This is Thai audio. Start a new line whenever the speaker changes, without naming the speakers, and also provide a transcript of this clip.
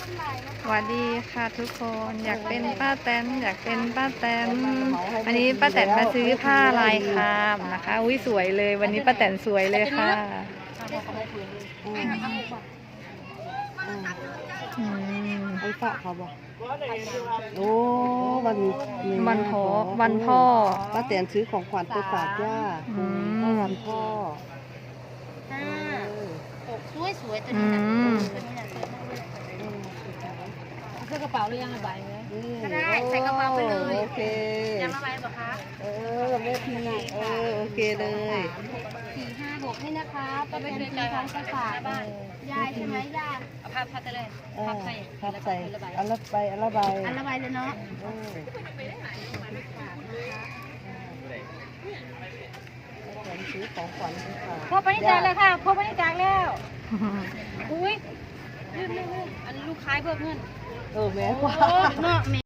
สวัสดีค่ะทุกคนอยากเป็นป้าแตนอยากเป็นป้าแตนอันนี้ป้าแตนมาซื้อผ้าลายครามนะคะอุ้ยสวยเลยวันนี้ป้าแตนสวยเลยค่ะ
ไอ้ฝากเขาบอกโอ้วัน
พ่อ
ป้าแตนซื้อของขวัญไปฝากย่าวันพ่อ
สวยตัวนี้นะใส่กระเป๋าหรือยังระบายไหมก็ได้ใส่กระเป๋าไปเลย
โอเค
ยังระบายหรอคะ
แม่พีโอเคเลย
4 5 6นี่นะคะก็เป็นทีทั้งไปฝากยายใช่ไหมยายเอาพับไปเลยพับใส่
อันละใบ
เลยเนาะ
ซื้อของขวัญไปฝาก
ครบไปนี่จากแล้วค่ะครบไปนี่จากแล้วอุ้ยลืมอันลูกค้าเพิ่มเงิน
แม่กว่า
เนาะ